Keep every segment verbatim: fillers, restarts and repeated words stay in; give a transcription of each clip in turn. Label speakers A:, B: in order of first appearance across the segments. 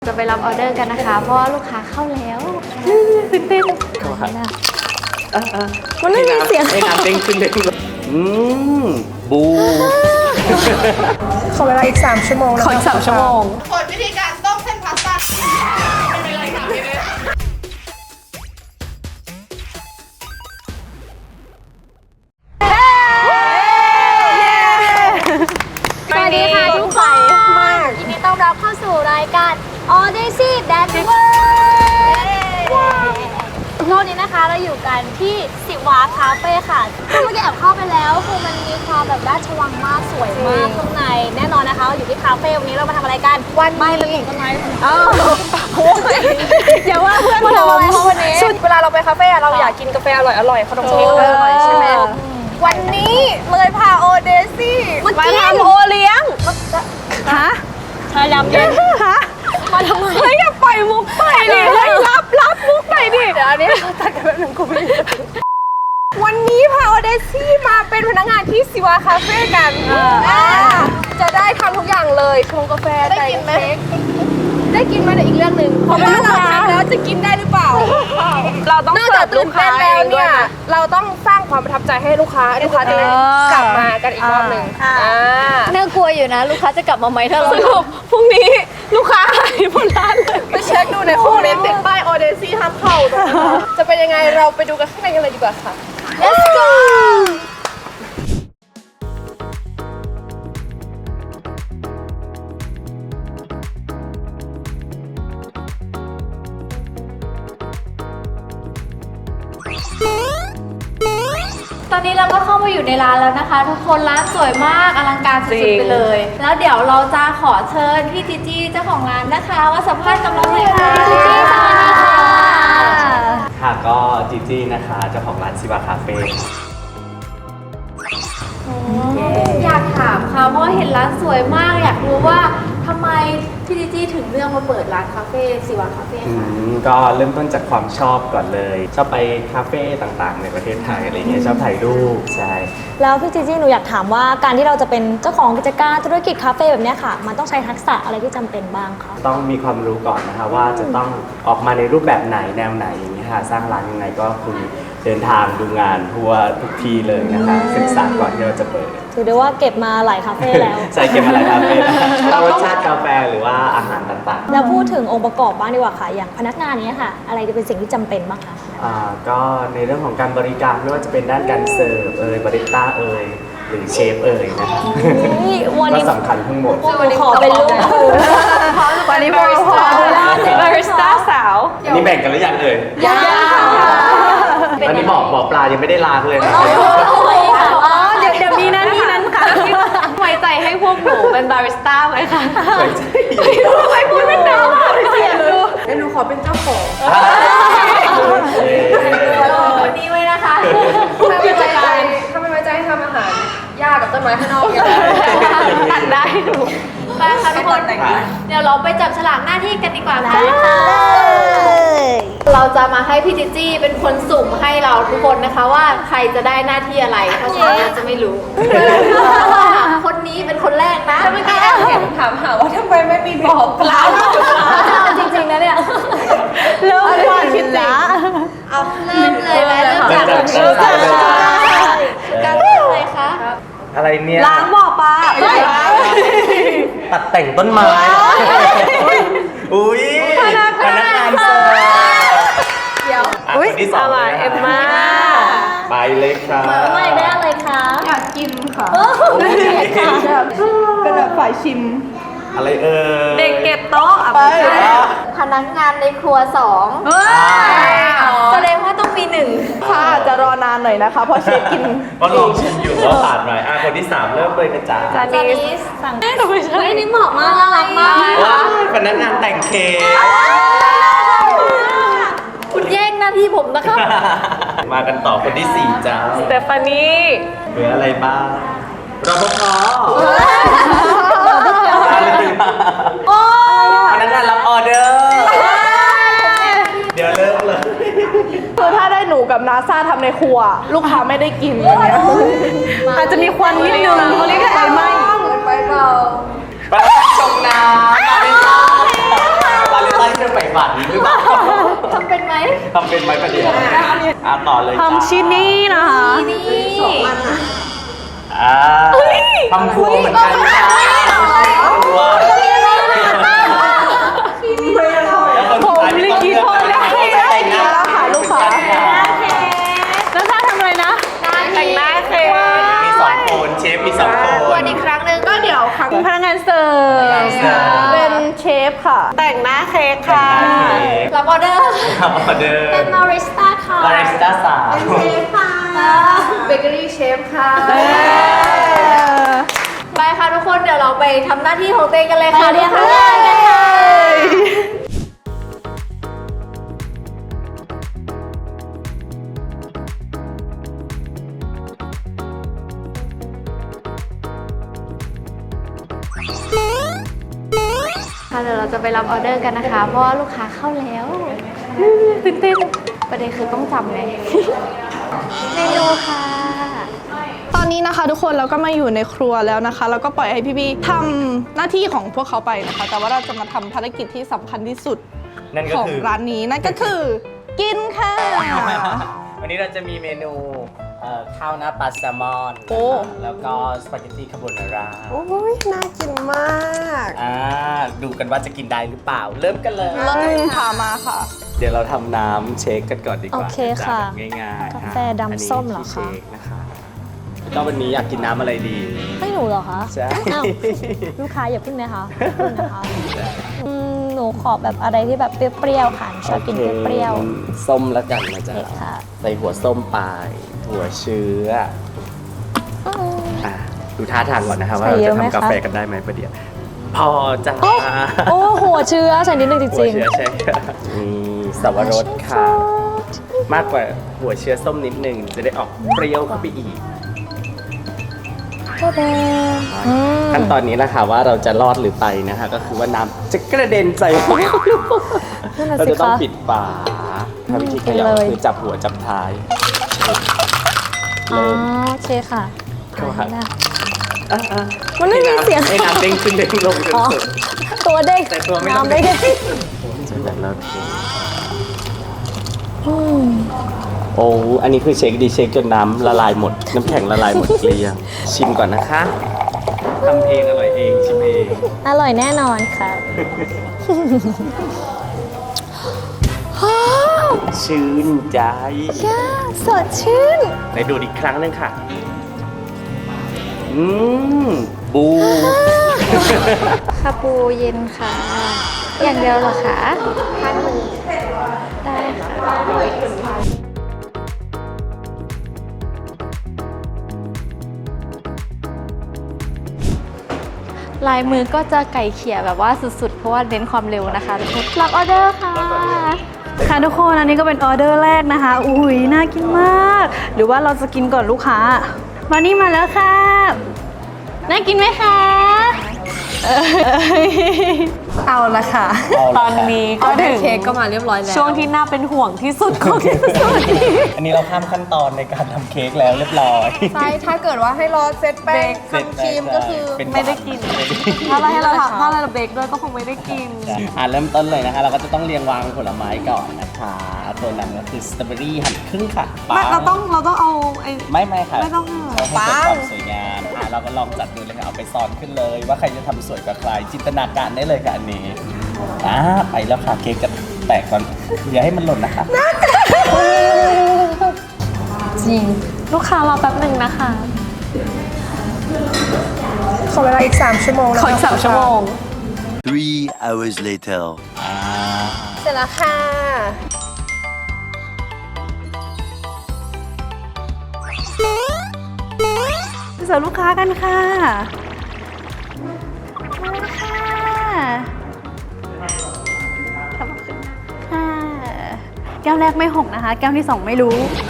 A: จะไปรับออเดอร์กันนะคะเพราะว่าลูกค้าเข้าแล้วตื่นเต้น
B: เข้าครับ
A: มันไม่มีเสียง
B: ไอ้น้ำเด้งขึ้นเด้งลงอืมบู
C: ขอเวลาอีกสามชั่วโมงนะคะ
A: ขออีกสามชั่วโมง
D: กดวิธีการต้มเส้นพาสต้าไม่เป็นไรค่ะไม่เป็นไร
A: สวัสดีค่ะทุกคนยินดีต้อนรับเข้าสู่รายการ Odyssey Dancer รอบนี้นะคะเราอยู่กันที่สิวาคาเฟ่ค่ะเมื่อกี้แอบเข้าไปแล้วคือมันมีความแบบราชวังมากสวยมากข้างในแน่นอนนะคะเราอยู่ที่คาเฟ่วันนี้เรามาทำอะไรกันวันไม่มันเห็นต้นไม้เอออย่าว่าเพื่อนเราเลยวันนี้
C: ชุดเวลาเราไปคาเฟ่เราอยากกินกาแฟอร่อยอร่อยขนมเค้กอร่อยใช่ไหมวันนี้เลยพาโอเดซี่มาทำโอเลี้ยงฮะ
A: ชายำเย็น
C: ฮะ
A: มาทำไม
C: เฮ้ยอย่าปล่อยมุกไปดิเฮ้ยรับรับมุกไปดิเดี๋ยวอันนี้เราตัดกันแบบหนึ่งกูไม่วันนี้พาโอเดซี่มาเป็นพนักงานที่สิวาคาเฟ่กันจะได้ทำทุกอย่างเลยชงกาแฟได้กินไหมได้กินมาแต่อีกเรื่องหนึ่งเพราะว่าเราทำแล้วจะกินได้หรือเปล่าเราต้องนอกจากตื่นเต้นแล้วเนี่ยเราต้องสร้างความประทับใจให้ลูกค้าลูกค้าจะได้กลับมากันอีกรอบหนึ่งอ่า
A: น่ากลัวอยู่นะลูกค้าจะกลับมาไหมถ้าเรา
C: สรุปพรุ่งนี้ลูกค้าหายหมดร้านเลยไปเช็คดูในห้องนี้ติดป้ายออเดซี่ห้ามเข้าจะเป็นยังไงเราไปดูกันข้างในกันเลยดีกว่าค่ะ
A: Let's go ตอนนี้เราก็เข้ามาอยู่ในร้านแล้วนะคะ ทุกคนร้านสวยมากอลังการสุดๆไปเลย แล้วเดี๋ยวเราจะขอเชิญพี่จีจี้เจ้าของร้านนะคะว่าสัมภาษณ์กับเราหน่อยค่ะจีจี้สวัสดีค่ะ
B: ค่ะก็จีจี้นะคะเจ้าของร้านซิวาคาเฟ่
A: อยากถามค่ะเพราะว่าเห็นร้านสวยมากอยากรู้ว่าทำไมพี่จีจี้ถึงเลือกมาเปิดร้านคาเฟ่สิวาคาเฟ่
B: อื
A: ค่ะ
B: มก็เริ่มต้นจากความชอบก่อนเลย ชอบไปคาเฟ่ต่างๆ ในประเทศไทยอะไรเงี้ยชอบถ่ายรูปใช่
E: แล้วพี่จีจี้หนูอยากถามว่าการที่เราจะเป็นเจ้าของกิจการธุรกิจคาเฟ่แบบเนี้ยค่ะ มันต้องใช้ทักษะอะไรที่จำเป็นบ้างคะ
B: ต้องมีความรู้ก่อนนะคะว่าจะต้องออกมาในรูปแบบไหนแนวไหนอย่างนี้ยค่ะสร้างร้านยังไงก็คือเดินทางดูงานทั่วทุกที่เลยนะคะศึกษาก่อนที่เราจะเปิด
E: ถือได้ว่าเก็บมาหลายคาเฟ่แล้ว
B: ใช่เก็บมาหลายคาเฟ่แล้วรสชาติกาแฟหรือว่าอาหารต่างๆ
E: แล้วพูดถึงองค์ประกอบบ้างดีกว่าค่ะ อย่างพนักงานเนี้ยค่ะ อะไรจะเป็นสิ่งที่จำเป็นบ้างคะ
B: อ่าก็ในเรื่องของการบริการไม่ว่าจะเป็นด้านการเสิร์ฟเอ่ยบาริสต้าเอ่ยหรือเชฟเอ่ยนะคะ
E: นี่วัน
B: ก็
E: นี้
B: สำคัญทั้งหมด
E: หนูขอเป็นลูกมือ
C: วันนี้บาริสต้าบาริสต้าสาว
B: อันนี้แบ่งกันหรือยังเอ่ย
A: ยัง
B: อันนี้บอกบอกปลายังไม่ได้ล้างเลยนะ
C: อ๋อเดี๋ยวเดี๋ยวมีนั้นมีนั้นค่ะไว้ใจให้พวกหนูเป็นบาริสต้าไหมคะ ทำไมพูดไม่ได้เสียดูเดี๋ยวหนูขอเป็นเจ้าของ
A: วันนี้ไว้นะคะ
C: ถ้าไม่ไว้ใจถ้าไม่ไว้ใจให้ทำอาหารยากกับต้นไม้ข้างนอกอย่างตัดได้หนู
A: ไปค่ะทุกคนเดี๋ยวเราไปจับฉลากหน้าที่กันดีกว่าค่ะเราจะมาให้พี่จิจี้เป็นคนสุ่มให้เราทุกคนนะคะว่าใครจะได้หน้าที่อะไรเพราะฉะนั้นจะไม่รู้คนนี้เป็นคนแรกนะ
C: เมื่อกี้แอบเห็นถามหาว่าทำไมไม่มีบอกเรา
A: จริงๆนะเนี่ย
C: เริ่มก่อนคิดละ
A: เอาเริ่มเลยไหมเริ่มจาก
B: เริ่มจาก
A: การเริ่มเลยคะ
B: อะไรเนี่ย
C: ล้างบ่อปลา
B: ตัดแต่งต้นไม้อุ้ยพนักงานเสิร์ฟเดี๋ยวคนที่สองเลยเอ็มมาไปเลยครับ
E: ไม่ได้อะไรคะ
C: อยากกินค่ะ
E: ค่ะ
C: เป็นแบบฝ่ายชิม
B: อะไรเอ่ย
C: เด็กเก็บโต๊ะอ่ะ
A: พนักงานในครัวสองแสดงว่าต้องมีหนึ่ง
C: ค่ะจะรอนานหน่อยนะคะเพราะเชฟกิน
B: ก็ลองชิมอยู่ว่าผ่านไหมอ่ะคนที่สามเริ่มเลยนะจ๊ะ
C: จา
A: จา
C: นิ
A: นิ
C: ส
A: สสั่งเฮ้ยนี่เหมาะมากน่ารักมาก
B: ว้าวพนักงานแต่งเค้ก
A: คุณแย่งหน้าที่ผมนะคะ
B: มากันต่อคนที่สี่จ้า
C: สเตฟานี
B: เหลืออะไรบ้างรปภพนักงานรับออเดอร์ เดี๋ยวเริ่มเลย
C: คือถ้าได้หนูกับนาซาทำในครัว ลูกค้าไม่ได้กินอย่างเงี้ยอาจจะมีควันนิดนึงเขาเรียกไฟไหม้ไฟเบา
B: พนักงานชงน้ำมาเป็นจ้าทำเป็นไหมประเดี๋ยวอ่ะต่อเลยจ้า
E: ทำชิ้นนี้นะคะ
B: อ่าทำครัวเหมือนกันค่ะทำครัวแล้วคนสุดท้ายที่ต้องเลือกนะคะแต่งหน้าค่ะลูกค้า
E: แล้วถ้าทำอะไรนะ
C: แต่งหน้าเค้ก
B: มีสองคนเชฟมีสองคน
C: วันอีกครั้งหนึ่งก็เดี๋ยวครั้ง
E: พนักงานเสิร์ฟ
C: เป็นเชฟค่ะ แต่งหน้าเค้กค่ะ
A: รับออเดอร์
B: ทำออเดอร์
A: เป็นบาริสต้าค่ะ
B: บาริสต้าสาว
C: เบเกอรี่เชฟค่ะ
A: ไปค่ะทุกคนเดี๋ยวเราไปทำหน้าที่ของตัวเองกันเลยค่ะ
E: ไปเรียน
A: ทุก
E: เพื่
A: ค
E: อนกันค่ะ
A: ค่ะเดี๋ยวเราจะไปรับออเดอร์กันนะคะ เพราะว่าลูกค้าเข้าแล้วตื่นเต้นประเด็นคือต้องจำไง เมนูค่ะ
C: ตอนนี้นะคะทุกคนเราก็มาอยู่ในครัวแล้วนะคะแล้วก็ปล่อยให้พี่บีทำหน้าที่ของพวกเขาไปนะคะ แต่ว่าเราจะมาทำภารกิจที่สำคัญที่สุด
B: นั่นก็
C: ของ
B: คือ
C: ร้านนี้นั่นก็คือ กินค่ะ
B: วันนี้เราจะมีเมนูเอ่อข้าวหน้าปลาแซลมอน
C: โอ้
B: แล้วก็สปาเกตตี้คาโบนาร่า
C: โอ้ยน่ากินมาก
B: อ่าดูกันว่าจะกินได้หรือเปล่า เริ่มกันเลย
C: เริ่มค่ะมาค่ะ
B: เดี๋ยวเราทำน้ำเชคกันก่อนดีกว่า
E: โอเคค่ะ
B: จานง่ายๆ
E: กาแฟดำส้มเหรอคะ
B: นนี้ที่เชคนะคะก็วันนี้อยากกินน้ำอะไรดี
E: ให้หนูเหรอคะ
B: ใช่
E: อ้าวลูกค้าอย่าพึ่งนะคะอย่าพึ่งนะคะอืมหนูขอแบบอะไรที่แบบเปรี้ยวๆค่ะหนูชอบกินเปรี้ยว
B: โอคส้มแล้วกันนะจ๊ะ
E: โอเคค่ะ
B: ใส่หัวส้มไปหัวเชื้อ
E: ๆอืม
B: อ่ะดูท่าทางก่อนนะครับว่า
E: ใส่
B: เรา
E: เย
B: จะ
E: อะไหม
B: ทำกา
E: คะ
B: แฟกันได้ไหมประเดี๋ยวพอจ้า
E: โอ้หัวเชื้อใส่นิดนึงจ
B: หัว
E: ริง
B: เชื้อใช่ค่ะมีสับปะรดค่ะ มากกว่าหัวเชื้อส้มนิดนึงจะได้ออกเปรี้ยวเข้าไปอีก
E: อืม
B: ขั้นตอนนี้นะคะว่าเราจะรอดหรือไปนะคะก็คือว่าน้ำจะกระเด็นใส่
E: นั่นน่ะ
B: เรา
E: สิ
B: จะต้อง
E: คะ
B: ปิดฝาถ้าวิธีเข
E: กิน
B: ยับ
E: เลย
B: คือจับหัวจับท้าย
E: อ๋อ
B: เริ่ม
E: โอเคค่ะ
B: เข้าค่ะ
E: ได้
B: อ่ะอ่ะ
E: มันไม่มีเสียง
B: ให้น้ำเด้งขึ้นเด้งลงจน
E: อ๋อ
B: สุด
E: ตัวเด้ง
B: แต่ตัวไม่ต้อง
E: น้ำไม่เด้ง
B: จะแบบเราเท
E: อืม
B: โอ้อันนี้คือเช็คดีเช็คจนน้ำละลายหมด น้ำแข็งละลายหมดเกลี้ยงชิมก่อนนะคะทำเองอร่อยเองชิมเอง
E: อร่อยแน่นอนค่ะ
B: ชื่นใจ
E: ย่าสดชื่น
B: ไหนดูอีกครั้งหนึงค่ะ อืม บู
A: คาปูเย็นค่ะ อย่างเดียวเหรอคะพันหนึ่งได้ค่ะ ลายมือก็จะไก่เขี่ยแบบว่าสุดๆ เพราะว่าเน้นความเร็วนะคะทุกคนรับออเดอร์ค่ะ
E: ค่ะทุกคนอันนี้ก็เป็นออเดอร์แรกนะคะ อุ้ยน่ากินมาก หรือว่าเราจะกินก่อนลูกค้ามานี่มาแล้วค่ะ น่ากินไหมคะ
C: เอาละค่ะ
E: ตอนนี้ก็ถึง
C: เค้กก็มาเรียบร้อยแล้ว
E: ช่วงที่น่าเป็นห่วงที่สุดของที่สุด
B: อันนี้เราข้ามขั้นตอนในการทำเค้กแล้วเรียบร้อย
C: ใช่ถ้าเกิดว่าให้รอเซตแป้งทำครีมก็คือ
B: เป็น
E: ไม่ได้กิน ถ้าเราให้เราทำถ้าเราเบรกด้วยก็คงไม่ได้กิน
B: อ่าเริ่มต้นเลยนะคะ เราก็จะต้องเรียงวางผลไม้ก่อนนะคะตัวนำก็คือสตรอเบอรี่หั่นครึ่งค่ะ
E: ไม่เราต้องเราต้องเอาไอ้
B: ไม่ไม่ค่ะ
E: ไม่ต้อง
B: ใช้ให้เกิดความสวยงามอ่ะเราก็ลองจัดดูเลยค่ะเอาไปซ้อนขึ้นเลย ว่าใครจะทำสวยกว่าใครจินตนาการได้เลยค่ะอันนี้อ่าไปแล้วค่ะเค้กจะแตกก่อนอย่าให้มันหล่นนะคะ
E: จริง ลูกค้ารอแป๊บหนึ่งนะคะ
C: ขอเวลาอีกสามชั่วโมง
E: ขออีกสามชั่วโมง
F: Three hours later.
B: อ่า
C: เสร็จแล้วค่ะ
E: เสิร์ฟลูกค้ากันค่ะมาค่ะขอบคุณค่ะแก้วแรกไม่หกนะคะ แก้วที่สองไม่รู้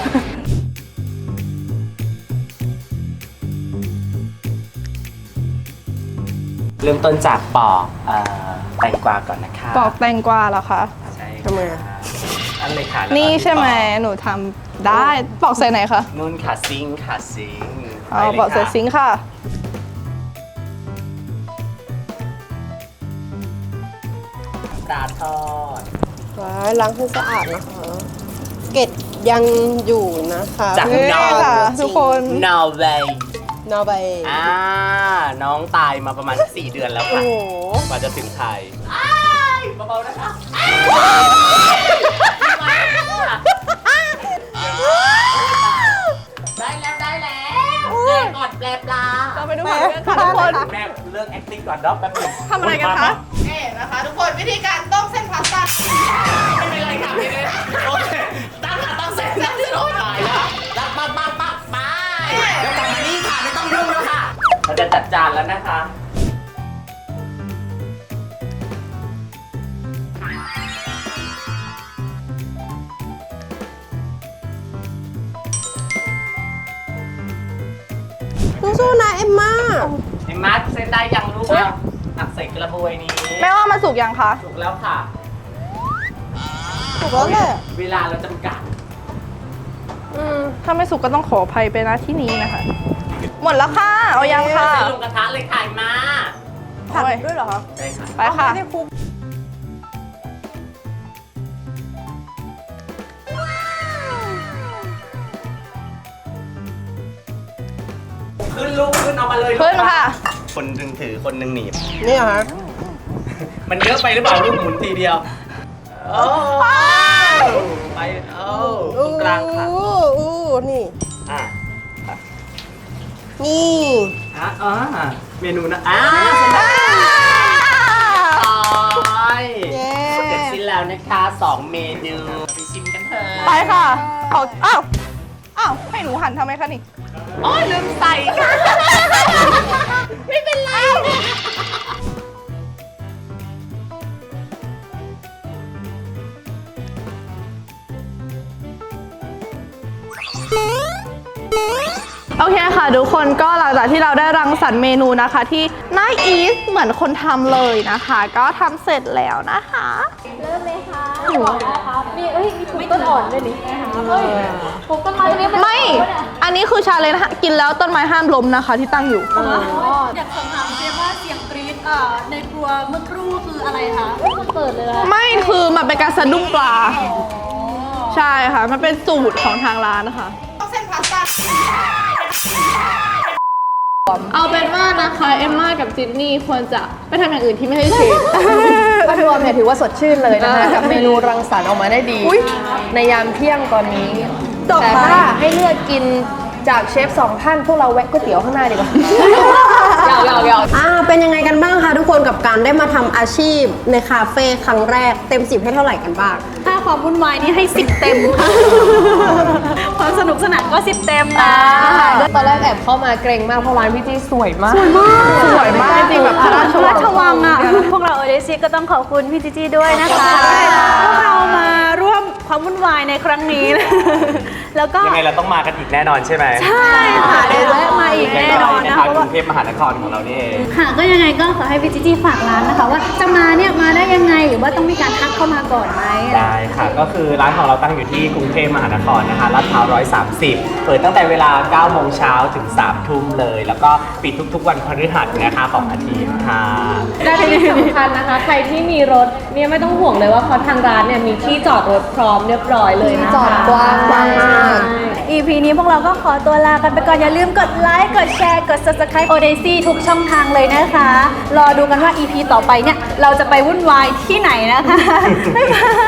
B: เริ่มต้นจากปอกเอ่อแตงกวาก่อนนะคะ
C: ปอกแตงกวาเหรอคะ
B: ใช่
C: ทำไมอะ
B: อันเลยค่ะแล้วก็
C: นี่ใช่ไหม
B: ปอก
C: หนูทำได้ปอกใส่ไหนคะ
B: นุ่นค่ะซิงค์ค่ะซิงค์
C: อ๋อ
B: ไปลย
C: ปอกใส่
B: ค่ะ
C: ซิงค์ค่ะ
B: ปลาทอด
C: ล้างให้สะอาดนะคะเก็ตยังอยู่นะคะ
B: จาก
C: นี่
B: นอร์
C: ค่ะทุกคน
B: นอร์เวย์
C: นอร์เวย์
B: อ่าน้องตายมาประมาณสี่เดือนแล้ว
C: โอ้
B: ค่ะ
C: โห
B: กว่าจะถึงไทยเบาๆนะคะได้แล้วได้แล้วแปลก่อนแปลปลา
C: เราไปดูผังเรื่องค่ะทุกคน
B: แม่เลิก acting ก่อนเนาะแป๊บนึง
C: ทำอะไรกันคะ
D: นี่นะคะทุกคนวิธีการต้มเส้นพาสต้าไม่เป็นไรค่ะไม่เป็นไร
B: โอเคตั้งค่ะตั้งเสร็จตั้งเสร็จโอ้ยตายแล้วปักปักปักปักไปแล้วกลับมานี่ค่ะไม่ต้องยุ่งแล้วค่ะเราจะจัดจานแล้วนะคะ
C: สู้ๆนะเอ็มม่า
B: ไอ้มาร์คเส้นได้ยังลูกอ่ะตักใส่กระบวยนี้
C: แม่ว่ามันสุกยังคะ
B: ถูกแล้วค่ะ
C: สุกแล้วแหละ
B: เวลาเราจำกัด
C: อืมถ้าไม่สุกก็ต้องขออภัยไปนะที่นี้นะคะ หมดแล้วค่ะ เอายังค่ะ
B: ใส่ลงกระทะเลยค่ะมา
C: ผัดด้วยเหรอคะ
B: ใช่ค่ะ
C: ไปค่ะ
B: ขึ้นลูกขึ้นเอามาเลยลูก
C: ขึ้นค่ะ
B: คนหนึ่งถือคนหนึ่งหนีบ
C: นี่เหรอคะ
B: มันเยอะไปหรือเปล่าลูกหมุนทีเดียวโอ้ไปเอ้าตรงกลางค่ะ
C: อู้อู้นี่
B: อ่ะ
C: นี่
B: อ่ะอ่ะเมนูนะอ่ะต่อย
C: เย้
B: เสร็จสิ้นแล้วนะคะสองเมนูไปชิมกันเถอะ
C: ไปค่ะขออ้าว อ้าว ให้หนูหั่นทำไมคะนี่
B: โอ้ยลืมใส่ค่ะไม่เป็นไร
C: โอเคค่ะทุกคนก็หลังจากที่เราได้รังสรรค์เมนูนะคะที่น่าอีสเหมือนคนทำเลยนะคะ ก็ทำเสร็จแล้วนะคะ
A: เริ่มเลยค่ะบอกนะคะมีเอ้ยมีปลูกต้นอ่อนด้วยนี่นะคะเฮ้ยปลูกต้นไม้ตรงนี้เป็น
C: ไม่ อันนี้คือชาเลนจ์กินแล้วต้นไม้ห้ามล้มนะคะที่ตั้งอยู่
E: อยากสอบถามเจมว่าเสียงกรี๊ดอ่าในครัวเมื่อครู่คืออะไรคะ
A: มันเปิดเลยอะ
C: ไม่คือมันเป็นการสะดุ้งปลา ใช่ค่ะ มันเป็นสูตรของทางร้านนะคะ
D: ต้มเส้นพาสต้า
C: เอาเป็นว่านะคะเอมม่ากับจินนี่ควรจะไปทำอย่างอื่นที่ไม่ใช่เชฟ
G: ภาพรวมเนี่ยถือว่าสดชื่นเลยนะคะ กับเมนูรังสรรค์ออกมาได้ดี ในยามเที่ยงตอนนี้ แต่ถ้าให้เลือกกินจากเชฟสองท่าน พวกเราแวะก๋วยเตี๋ยวข้างหน้าดีกว่าหยอกหยอกหยอก
H: อ่าเป็นยังไงกันบ้างคะทุกคนกับการได้มาทำอาชีพในคาเฟ่ครั้งแรกเต็มสิบให้เท่าไหร่กันบ้าง
E: ถ้าความวุ่นวายนี่ให้สิบเต็มค่ะความสนุกสนานก็สิบเต็มนะ
G: ตอนแรกแอบเข้ามาเกรงมากเพราะร้านพี่จีสวยมาก
C: สวยมากจริงๆแบบพระราชวั
E: ราง ชวังอ่ะ พวกเราเอเดซีก็ต้องขอบคุณพี่จิจี้ด้วยนะคะ พวกเรามาร่วมความวุ่นวายในครั้งนี้ แล้วก็
B: ยังไงเราต้องมากันอีกแน่นอนใช่ไหม
E: ใช่ค่ะเดี๋ยวแวะมาอีกแน่นอนนะ
B: คะ
E: เพราะ
B: ก
E: ว่า
B: รุงเทพมหานครของเรานี่เอง
E: ค่ะก็ยังไงก็ขอให้พี่จิจี้ฝากร้านนะคะ ว่าจะมาเนี่ยมาได้ยังไงหรือว่าต้องมีการทักเข้ามาก่อนไหม
B: ได้ค่ะ ก็คือร้านของเราตั้งอยู่ที่กรุงเทพมหานครนะคะลาดพร้าวหนึ่งร้อยสามสิบเปิดตั้งแต่เวลาเก้าโมงเช้าถึงสามทุ่มเลย แล้วก็ปิดทุกๆวันพฤหัสนะคะของอาทิตย์ค่ะ
G: และที่สำคัญนะคะ ใครที่มีรถเนี่ยไม่ต้องห่วงเลยว่าเพราะทางร้านเนี่ยมีที่จอดรถพร้อมเรียบร้อยเลยนะคะ
H: จอดกว้างมาก
E: อี พี นี้พวกเราก็ขอตัวลากันไปก่อน อย่าลืมกดไลค์ กดแชร์ กด Subscribe Odyssey ทุกช่องทางเลยนะคะ รอดูกันว่า อี พี ต่อไปเนี่ย เราจะไปวุ่นวายที่ไหนนะคะ บ๊ายบาย